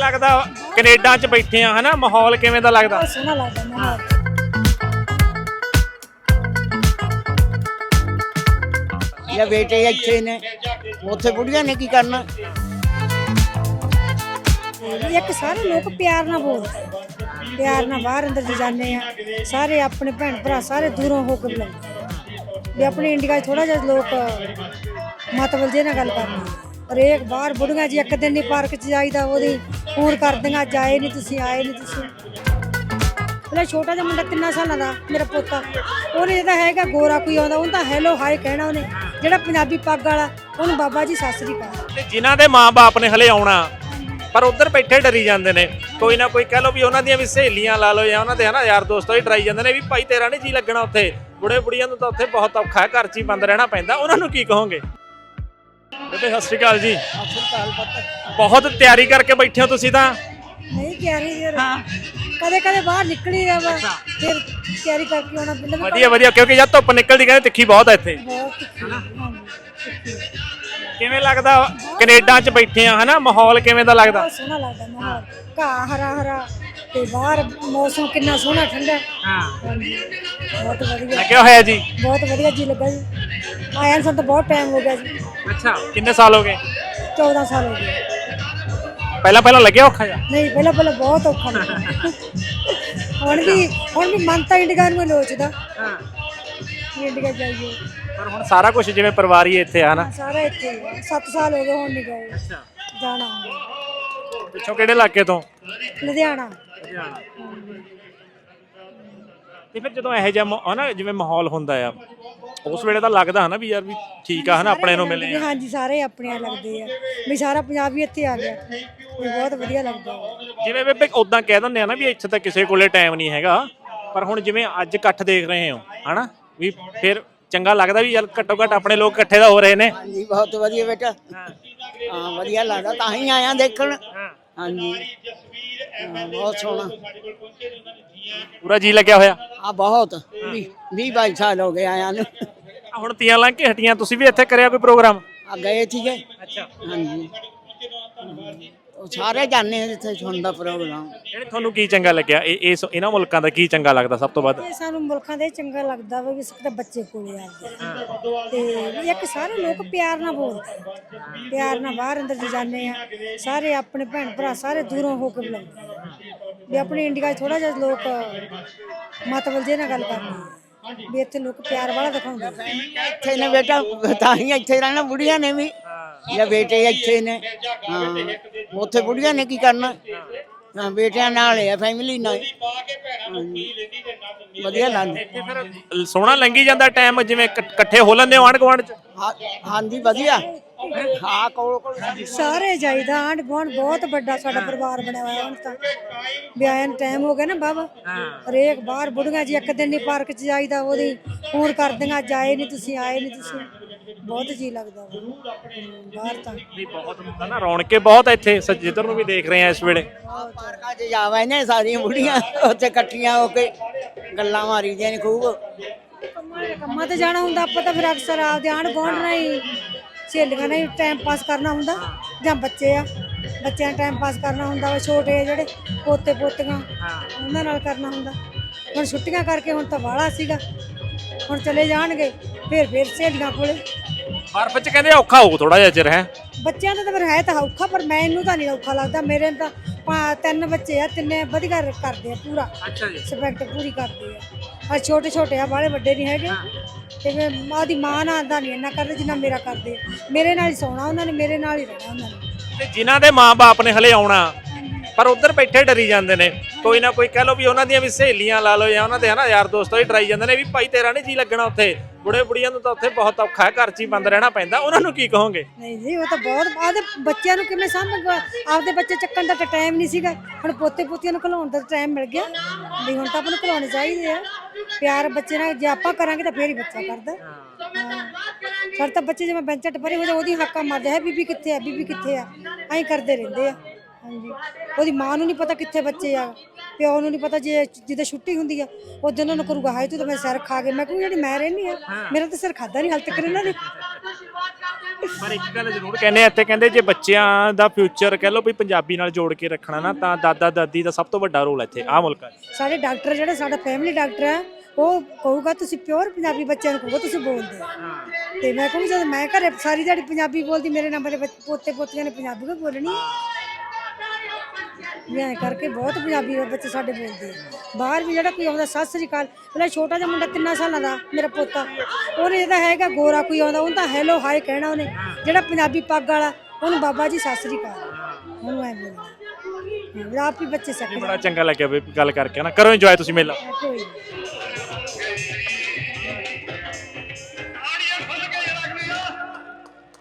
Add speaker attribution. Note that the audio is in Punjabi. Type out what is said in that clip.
Speaker 1: ਲੱਗਦਾ ਕੈਨੇਡਾ 'ਚ ਬੈਠੇ ਆ ਹਨਾ, ਮਾਹੌਲ ਕਿਵੇਂ ਦਾ ਲੱਗਦਾ?
Speaker 2: ਸੋਹਣਾ ਲੱਗਦਾ ਮਾਹੌਲ।
Speaker 3: ਜਾਂ ਬੇਟੇ ਇੱਥੇ ਨੇ, ਉੱਥੇ ਬੁੜੀਆਂ ਨੇ ਕੀ ਕਰਨਾ।
Speaker 2: ਇੱਕ ਸਾਰੇ ਲੋਕ ਪਿਆਰ ਨਾਲ ਬੋਲਦੇ, ਪਿਆਰ ਨਾਲ ਬਾਹਰ ਅੰਦਰ ਜਾਂਦੇ ਆ, ਸਾਰੇ ਆਪਣੇ ਭੈਣ ਭਰਾ ਸਾਰੇ ਦੂਰੋਂ ਹੋ ਕੇ ਬੁਲਾਉਂਦੇ ਵੀ ਆਪਣੇ ਇੰਡੀਆ 'ਚ ਥੋੜਾ ਜਿਹਾ ਲੋਕ ਮਤਲਬ ਜੇ ਨਾਲ ਗੱਲ ਕਰਨੀ। ਪਰ ਇਹ ਬਾਹਰ ਬੁੜੀਆਂ ਜੀ ਇੱਕ ਦਿਨ ਨਹੀਂ ਪਾਰਕ 'ਚ ਜਾਈਦਾ, ਉਹਦੀ ਫੋਨ ਕਰਦੀਆਂ ਅੱਜ ਆਏ ਨਹੀਂ ਤੁਸੀਂ, ਆਏ ਨਹੀਂ ਤੁਸੀਂ। ਪਹਿਲਾਂ ਛੋਟਾ ਜਿਹਾ ਮੁੰਡਾ 3 ਸਾਲਾਂ ਦਾ ਮੇਰਾ ਪੋਤਾ, ਉਹਨੇ ਜਿਹੜਾ ਹੈਗਾ ਗੋਰਾ ਕੋਈ ਆਉਂਦਾ ਉਹਨੂੰ ਤਾਂ ਹੈਲੋ ਹਾਈ ਕਹਿਣਾ ਉਹਨੇ, ਜਿਹੜਾ ਪੰਜਾਬੀ ਪੱਗ ਵਾਲਾ ਉਹਨੂੰ ਬਾਬਾ ਜੀ ਸਤਿ ਸ੍ਰੀ ਅਕਾਲ।
Speaker 1: ਤੇ ਜਿਨ੍ਹਾਂ ਦੇ ਮਾਂ-ਬਾਪ ਨੇ ਹਲੇ ਆਉਣਾ ਪਰ ਉੱਧਰ ਬੈਠੇ ਡਰੀ ਜਾਂਦੇ ਨੇ, ਕੋਈ ਨਾ ਕੋਈ ਕਹਿ ਲਓ ਵੀ ਉਹਨਾਂ ਦੀਆਂ ਵੀ ਸਹੇਲੀਆਂ ਲਾ ਲਓ ਜਾਂ ਉਹਨਾਂ ਦੇ ਹਨਾ ਯਾਰ ਦੋਸਤ ਹੀ ਡਰਾਈ ਜਾਂਦੇ ਨੇ ਵੀ ਭਾਈ ਤੇਰਾ ਨਹੀਂ ਜੀ ਲੱਗਣਾ ਉੱਥੇ, ਬੁੜੇ ਬੁੜੀਆਂ ਨੂੰ ਤਾਂ ਉੱਥੇ ਬਹੁਤ ਔਖਾ ਹੈ, ਘਰ 'ਚ ਹੀ ਬੰਦ ਰਹਿਣਾ ਪੈਂਦਾ, ਉਹਨਾਂ ਨੂੰ ਕੀ ਕਹੋਗੇ? ਬੇਬੇ ਸਤਿ ਸ਼੍ਰੀ ਅਕਾਲ ਜੀ। ਬਹੁਤ ਤਿਆਰੀ ਕਰਕੇ ਬੈਠੇ ਹੋ ਤੁਸੀਂ ਤਾਂ।
Speaker 2: ਨਹੀਂ ਤਿਆਰੀ ਯਾਰ ਕਦੇ ਕਦੇ ਬਾਹਰ ਨਿਕਲੀ ਆ ਵਾ, ਫਿਰ ਤਿਆਰੀ ਕਰਕੇ ਆਉਣਾ ਪੈਂਦਾ।
Speaker 1: ਵਧੀਆ ਵਧੀਆ, ਕਿਉਂਕਿ ਜਦ ਧੁੱਪ ਨਿਕਲਦੀ ਕਹਿੰਦੇ ਤਿੱਖੀ ਬਹੁਤ ਹੈ ਇੱਥੇ। ਕਿਵੇਂ ਲੱਗਦਾ ਕੈਨੇਡਾ 'ਚ ਬੈਠੇ ਆ ਹਨਾ, ਮਾਹੌਲ ਕਿਵੇਂ ਦਾ ਲੱਗਦਾ?
Speaker 2: ਸੋਹਣਾ ਲੱਗਦਾ ਮਾਹੌਲ, ਘਾਹ ਹਰਾ ਹਰਾ ਤੇ ਬਾਹਰ ਮੌਸਮ ਕਿੰਨਾ ਸੋਹਣਾ ਠੰਡਾ। ਬਹੁਤ ਵਧੀਆ
Speaker 1: ਲੱਗਿਆ ਹੋਇਆ ਜੀ,
Speaker 2: ਬਹੁਤ ਵਧੀਆ ਜੀ ਲੱਗਾ ਜੀ। ਆਇਆ ਨੂੰ ਸਾਨੂੰ ਤਾਂ ਬਹੁਤ ਟਾਈਮ ਹੋ ਗਿਆ ਜੀ।
Speaker 1: ਅੱਛਾ, ਕਿੰਨੇ ਸਾਲ ਹੋ ਗਏ?
Speaker 2: 14 ਸਾਲ ਹੋ ਗਏ।
Speaker 1: ਪਹਿਲਾਂ ਲੱਗਿਆ ਔਖਾ ਜਿਹਾ?
Speaker 2: ਨਹੀਂ ਪਹਿਲਾਂ ਬਹੁਤ ਔਖਾ ਲੱਗਾ। ਹੁਣ ਵੀ ਮਨ ਤਾਂ ਇੰਡੀਆ ਨੂੰ ਲੋਚਦਾ, ਇੰਡੀਆ ਜਾਈਏ।
Speaker 1: ਪਰ ਹੁਣ ਸਾਰਾ ਕੁਝ ਜਿਵੇਂ ਪਰਿਵਾਰੀ ਇੱਥੇ ਆ ਨਾ,
Speaker 2: ਸਾਰਾ ਇੱਥੇ ਹੀ ਆ। 7 ਸਾਲ ਹੋ ਗਏ ਹੁਣ ਨਹੀਂ ਗਏ। ਜਾਣਾ
Speaker 1: ਪਿੱਛੋਂ ਕਿਹੜੇ ਇਲਾਕੇ ਤੋਂ?
Speaker 2: ਲੁਧਿਆਣਾ।
Speaker 1: ਤੇ ਫਿਰ ਜਦੋਂ ਇਹੋ ਜਿਹਾ ਹਨਾ ਜਿਵੇਂ ਮਾਹੌਲ ਹੁੰਦਾ ਆ, ਉਸ ਵੇਲੇ ਤਾਂ ਲੱਗਦਾ ਹਨਾ ਵੀ ਯਾਰ ਵੀ ਠੀਕ ਆ ਹਨਾ, ਆਪਣੇ ਨੂੰ ਮਿਲੇ ਆ।
Speaker 2: ਹਾਂਜੀ ਸਾਰੇ ਆਪਣੇ ਲੱਗਦੇ ਆ ਵੀ ਸਾਰਾ ਪੰਜਾਬ ਹੀ ਇੱਥੇ ਆ ਗਿਆ, ਵੀ ਬਹੁਤ ਵਧੀਆ ਲੱਗਦਾ।
Speaker 1: ਜਿਵੇਂ ਬੇਬੇ ਉਦਾਂ ਕਹਿ ਦਿੰਦੇ ਆ ਨਾ ਵੀ ਇੱਥੇ ਤਾਂ ਕਿਸੇ ਕੋਲੇ ਟਾਈਮ ਨਹੀਂ ਹੈਗਾ, ਪਰ ਹੁਣ ਜਿਵੇਂ ਅੱਜ ਇਕੱਠ ਦੇਖ ਰਹੇ ਹੋ ਹਨਾ, ਵੀ ਫਿਰ ਚੰਗਾ ਲੱਗਦਾ ਵੀ ਯਾਰ ਘੱਟੋ ਘੱਟ ਆਪਣੇ ਲੋਕ ਇਕੱਠੇ ਤਾਂ ਹੋ ਰਹੇ ਨੇ।
Speaker 3: ਹਾਂਜੀ ਬਹੁਤ ਵਧੀਆ ਬੇਟਾ, ਹਾਂ ਵਧੀਆ ਲੱਗਦਾ, ਤਾਂ ਹੀ ਆਇਆ ਦੇਖਣ। ਹਾਂਜੀ ਬਹੁਤ ਸੋਹਣਾ,
Speaker 1: ਪੂਰਾ ਜੀ ਲੱਗਿਆ ਹੋਇਆ।
Speaker 3: ਆ ਬਹੁਤ 20-22 ਸਾਲ ਹੋ ਗਏ ਆਇਆ ਨੂੰ।
Speaker 1: ਹੁਣ ਤੀਆਂ ਲੰਘ ਕੇ ਹਟੀਆਂ, ਤੁਸੀਂ ਵੀ ਇੱਥੇ ਕਰਿਆ ਕੋਈ ਪ੍ਰੋਗਰਾਮ?
Speaker 3: ਆ ਗਏ ਸੀਗੇ।
Speaker 1: ਅੱਛਾ,
Speaker 3: ਹਾਂਜੀ ਉਹ ਸਾਰੇ ਜਾਂਦੇ ਆ ਜਿੱਥੇ ਹੁੰਦਾ ਪ੍ਰੋਗਰਾਮ।
Speaker 1: ਇਹਨੇ ਤੁਹਾਨੂੰ ਕੀ ਚੰਗਾ ਲੱਗਿਆ ਇਹਨਾਂ ਮੁਲਕਾਂ ਦਾ ਕੀ ਚੰਗਾ ਲੱਗਦਾ ਸਭ ਤੋਂ ਵੱਧ?
Speaker 2: ਇਹ ਸਾਨੂੰ ਮੁਲਕਾਂ ਦੇ ਚੰਗਾ ਲੱਗਦਾ ਵਾ ਵੀ ਸਭ ਦੇ ਬੱਚੇ ਕੋਲੇ ਆ ਤੇ ਇੱਕ ਸਾਰੇ ਲੋਕ ਪਿਆਰ ਨਾਲ ਬੋਲਦੇ, ਪਿਆਰ ਨਾਲ ਬਾਹਰ ਅੰਦਰ ਜਾਂਦੇ ਆ, ਸਾਰੇ ਆਪਣੇ ਭੈਣ ਭਰਾ ਸਾਰੇ ਦੂਰੋਂ ਹੋ ਕੇ ਬੁਲਾਉਂਦੇ ਵੀ ਆਪਣੇ ਇੰਡੀਆ 'ਚ ਥੋੜਾ ਜਿਹਾ ਲੋਕ ਮਤਲਬ ਜੇ ਨਾਲ ਗੱਲ ਕਰਨੀ, ਵੀ ਇੱਥੇ ਲੋਕ ਪਿਆਰ ਵਾਲਾ ਦਿਖਾਉਂਦੇ।
Speaker 3: ਇੱਥੇ ਨੇ ਬੇਟਾ, ਤਾਂ ਹੀ ਇੱਥੇ ਰਹਿਣਾ ਬੁੜੀਆਂ ਨੇ ਵੀ, ਜਾਂ ਬੇਟੇ ਇੱਥੇ ਨੇ, ਹਾਂ ਉੱਥੇ ਬੁੜੀਆਂ ਨੇ ਕੀ ਕਰਨਾ। ਹਾਂ ਬੇਟਿਆਂ ਨਾਲ ਆ, ਫੈਮਿਲੀ ਨਾਲ ਵਧੀਆ ਲੱਗਦਾ।
Speaker 1: ਇੱਥੇ ਫਿਰ ਸੋਹਣਾ ਲੰਘੀ ਜਾਂਦਾ ਟਾਈਮ, ਜਿਵੇਂ ਇਕੱਠੇ ਹੋ ਲੈਂਦੇ ਹੋ ਆਂਢ ਗੁਆਂਢ 'ਚ?
Speaker 3: ਹਾਂਜੀ ਵਧੀਆ, ਹਾਂ ਕੋਲ
Speaker 2: ਸਾਰੇ ਜਾਈਦਾ ਆਂਢ ਗੁਆਂਢ, ਬਹੁਤ ਵੱਡਾ ਸਾਡਾ ਪਰਿਵਾਰ ਬਣਿਆ ਹੋਇਆ ਹੁਣ ਤਾਂ। ਵਿਆਹਾਂ ਨੂੰ ਟਾਈਮ ਹੋ ਗਿਆ ਨਾ ਬਾਬਾ, ਹਰੇਕ ਬਾਹਰ ਬੁੜੀਆਂ ਜੀ ਇੱਕ ਦਿਨ ਨਹੀਂ ਪਾਰਕ 'ਚ ਜਾਈਦਾ, ਉਹਦੀ ਫੋਨ ਕਰਦੀਆਂ ਅੱਜ ਆਏ ਨਹੀਂ ਤੁਸੀਂ, ਆਏ ਨਹੀਂ ਤੁਸੀਂ। ਬਹੁਤ ਜੀ ਲੱਗਦਾ ਬਾਹਰ ਤਾਂ।
Speaker 1: ਨਹੀਂ ਬਹੁਤ ਹੁੰਦਾ ਨਾ, ਰੌਣਕੇ ਬਹੁਤ ਇੱਥੇ, ਜਿੱਧਰ ਨੂੰ ਵੀ ਦੇਖ ਰਹੇ ਆ ਇਸ ਵੇਲੇ।
Speaker 3: ਪਾਰਕਾਂ 'ਚ ਜਾਵਾ ਨੇ ਸਾਰੀਆਂ ਬੁੜੀਆਂ, ਉੱਥੇ ਇਕੱਠੀਆਂ ਹੋ ਕੇ ਗੱਲਾਂ ਮਾਰੀਦੀਆਂ ਨੇ ਖੂਬ।
Speaker 2: ਕੰਮਾਂ ਤੇ ਜਾਣਾ ਹੁੰਦਾ, ਆਪਾਂ ਤਾਂ ਫਿਰ ਅਕਸਰ ਆਪਦੇ ਆਂਢ ਗੁਆਂਢ ਨਾਲ ਹੀ ਸਹੇਲੀਆਂ ਨਾਲ ਹੀ ਟਾਈਮ ਪਾਸ ਕਰਨਾ ਹੁੰਦਾ, ਜਾਂ ਬੱਚੇ ਆ ਬੱਚਿਆਂ ਨਾਲ ਟਾਈਮ ਪਾਸ ਕਰਨਾ ਹੁੰਦਾ ਵਾ, ਛੋਟੇ ਆ ਜਿਹੜੇ ਪੋਤੇ ਪੋਤੀਆਂ ਉਹਨਾਂ ਨਾਲ ਕਰਨਾ ਹੁੰਦਾ। ਹੁਣ ਛੁੱਟੀਆਂ ਕਰਕੇ ਹੁਣ ਤਾਂ ਵਾਲਾ ਸੀਗਾ, ਹੁਣ ਚਲੇ ਜਾਣਗੇ ਫਿਰ ਸਹੇਲੀਆਂ ਕੋਲੇ।
Speaker 1: ਬਰਫ਼ 'ਚ ਕਹਿੰਦੇ ਔਖਾ ਹੋਊ ਥੋੜਾ ਜਿਹਾ ਚਿਰ ਹੈ
Speaker 2: ਬੱਚਿਆਂ ਦਾ ਤਾਂ ਫਿਰ ਹੈ ਤਾਂ ਔਖਾ, ਪਰ ਮੈਨੂੰ ਤਾਂ ਨਹੀਂ ਔਖਾ ਲੱਗਦਾ। ਮੇਰੇ ਤਾਂ 3 ਬੱਚੇ ਆ, ਤਿੰਨੇ ਵਧੀਆ ਕਰਦੇ ਆ ਪੂਰਾ।
Speaker 1: ਅੱਛਾ ਜੀ,
Speaker 2: ਸਪੈਕਟ ਪੂਰੀ ਕਰਦੇ ਆ। ਛੋਟੇ ਛੋਟੇ ਆ, ਬਾਹਲੇ ਵੱਡੇ ਨਹੀਂ ਹੈਗੇ। ਤੇ ਮੈਂ ਉਹਦੀ ਮਾਂ ਨਾਲ ਦਾ ਨਹੀਂ ਇੰਨਾ ਕਰਦੇ ਜਿੰਨਾ ਮੇਰਾ ਕਰਦੇ। ਮੇਰੇ ਨਾਲ ਹੀ ਸੌਣਾ ਉਹਨਾਂ ਨੇ, ਮੇਰੇ ਨਾਲ ਹੀ ਰਹਿਣਾ ਉਹਨਾਂ ਨੇ।
Speaker 1: ਤੇ ਜਿਨ੍ਹਾਂ ਦੇ ਮਾਂ-ਬਾਪ ਨੇ ਹਲੇ ਆਉਣਾ ਪਰ ਉੱਧਰ ਬੈਠੇ ਡਰੀ ਜਾਂਦੇ ਨੇ, ਕੋਈ ਨਾ ਕੋਈ ਕਹਿ ਲਓ ਵੀ ਉਹਨਾਂ ਦੀਆਂ ਵੀ ਸਹੇਲੀਆਂ ਲਾ ਲਓ ਜਾਂ ਉਹਨਾਂ ਦੇ ਹਨਾ ਯਾਰ ਦੋਸਤ ਹੀ ਡਰਾਈ ਜਾਂਦੇ ਨੇ ਵੀ ਭਾਈ ਤੇਰਾ ਨਹੀਂ ਜੀ ਲੱਗਣਾ ਉੱਥੇ, ਬੁੜੇ ਬੁੜੀਆਂ ਨੂੰ ਤਾਂ ਉੱਥੇ ਬਹੁਤ ਔਖਾ ਹੈ, ਘਰ 'ਚ ਹੀ ਬੰਦ ਰਹਿਣਾ ਪੈਂਦਾ, ਉਹਨਾਂ ਨੂੰ ਕੀ ਕਹੋਗੇ?
Speaker 2: ਨਹੀਂ ਜੀ ਉਹ ਤਾਂ ਬਹੁਤ ਆਪਦੇ ਬੱਚਿਆਂ ਨੂੰ ਕਿਵੇਂ ਸਾਂਭੇਗਾ, ਆਪਦੇ ਬੱਚੇ ਚੱਕਣ ਦਾ ਤਾਂ ਟਾਈਮ ਨਹੀਂ ਸੀਗਾ, ਹੁਣ ਪੋਤੇ ਪੋਤੀਆਂ ਨੂੰ ਘਲਾਉਣ ਦਾ ਟਾਈਮ ਮਿਲ ਗਿਆ ਵੀ ਹੁਣ ਤਾਂ ਆਪਾਂ ਨੂੰ ਘਲਾਉਣੇ ਚਾਹੀਦੇ ਆ। ਪਿਆਰ ਬੱਚੇ ਨਾਲ ਜੇ ਆਪਾਂ ਕਰਾਂਗੇ ਤਾਂ ਫੇਰ ਹੀ ਬੱਚਾ ਕਰਦਾ। ਸਾਡੇ ਤਾਂ ਬੱਚੇ ਜਿਵੇਂ ਬੈਂਚਾਂ ਟੱਪਰੇ ਹੋ ਜਾ ਉਹਦੀ ਹੱਕਾਂ ਮਾਰਦੇ ਹੈ ਬੀਬੀ ਕਿੱਥੇ ਆ, ਬੀਬੀ ਕਿੱਥੇ ਆ, ਐਂ ਕਰਦੇ ਰਹਿੰਦੇ ਆ। ਹਾਂਜੀ ਉਹਦੀ ਮਾਂ ਨੂੰ ਨਹੀਂ ਪਤਾ ਕਿੱਥੇ ਬੱਚੇ ਆ, ਪਿਓ ਨੂੰ ਨਹੀਂ ਪਤਾ। ਜੇ ਜਿੱਦਾਂ ਛੁੱਟੀ ਹੁੰਦੀ ਆ ਉਦੋਂ ਉਹਨਾਂ ਨੂੰ ਕਰੂਗਾ ਹਾਏ ਤੂੰ ਤਾਂ ਮੈਂ ਸਿਰ ਖਾ ਗਏ। ਮੈਂ ਕਹੂੰ ਜਿਹੜੀ ਮੈਂ ਰਹਿੰਦੀ ਆ ਮੇਰਾ ਤਾਂ ਸਿਰ ਖਾਦਾ ਨਹੀਂ ਹਾਲੇ ਤੱਕ ਇਹਨਾਂ ਨੇ।
Speaker 1: ਪਰ ਇੱਕ ਗੱਲ ਜ਼ਰੂਰ ਕਹਿੰਦੇ ਆ ਇੱਥੇ, ਕਹਿੰਦੇ ਜੇ ਬੱਚਿਆਂ ਦਾ ਫਿਊਚਰ ਕਹਿ ਲਓ ਵੀ ਪੰਜਾਬੀ ਨਾਲ ਜੋੜ ਕੇ ਰੱਖਣਾ ਨਾ, ਤਾਂ ਦਾਦਾ ਦਾਦੀ ਦਾ ਸਭ ਤੋਂ ਵੱਡਾ ਰੋਲ ਇੱਥੇ ਆਹ ਮੁਲਕਾਂ 'ਚ।
Speaker 2: ਸਾਡੇ ਡਾਕਟਰ ਜਿਹੜਾ ਸਾਡਾ ਫੈਮਿਲੀ ਡਾਕਟਰ ਹੈ ਉਹ ਕਹੂਗਾ ਤੁਸੀਂ ਪਿਓਰ ਪੰਜਾਬੀ ਬੱਚਿਆਂ ਨੂੰ ਕਹੂਗਾ ਤੁਸੀਂ ਬੋਲਦੇ ਹੋ। ਤੇ ਮੈਂ ਕਹੂੰ ਜਦੋਂ ਮੈਂ ਘਰੇ ਸਾਰੀ ਦਿਹਾੜੀ ਪੰਜਾਬੀ ਬੋਲਦੀ, ਮੇਰੇ ਨਾਲ ਮੇਰੇ ਪੋਤੇ ਪੋਤੀਆਂ ਨੇ ਪੰਜਾਬੀ ਵੀ ਬੋਲਣੀ। ਮੈਂ ਕਰਕੇ ਬਹੁਤ ਪੰਜਾਬੀ ਬੱਚੇ ਸਾਡੇ ਬੋਲਦੇ ਆ। ਬਾਹਰ ਵੀ ਜਿਹੜਾ ਕੋਈ ਆਉਂਦਾ ਸਤਿ ਸ੍ਰੀ ਅਕਾਲ, ਪਹਿਲਾਂ ਛੋਟਾ ਜਿਹਾ ਮੁੰਡਾ 3 ਸਾਲਾਂ ਦਾ ਮੇਰਾ ਪੋਤਾ, ਉਹਨੇ ਜਿਹਦਾ ਹੈਗਾ ਗੋਰਾ ਕੋਈ ਆਉਂਦਾ ਉਹਨੂੰ ਤਾਂ ਹੈਲੋ ਹਾਏ ਕਹਿਣਾ ਉਹਨੇ, ਜਿਹੜਾ ਪੰਜਾਬੀ ਪੱਗ ਵਾਲਾ ਉਹਨੂੰ ਬਾਬਾ ਜੀ ਸਤਿ ਸ੍ਰੀ ਅਕਾਲ, ਉਹਨੂੰ ਐ ਬੋਲਦਾ। ਆਪ ਹੀ ਬੱਚੇ ਸਿੱਖ
Speaker 1: ਬੜਾ ਚੰਗਾ ਲੱਗਿਆ ਵੀ ਗੱਲ ਕਰਕੇ ਨਾ। ਕਰੋ ਇੰਜੋਏ ਤੁਸੀਂ ਮੇਲਾ।
Speaker 2: ਕੋਈ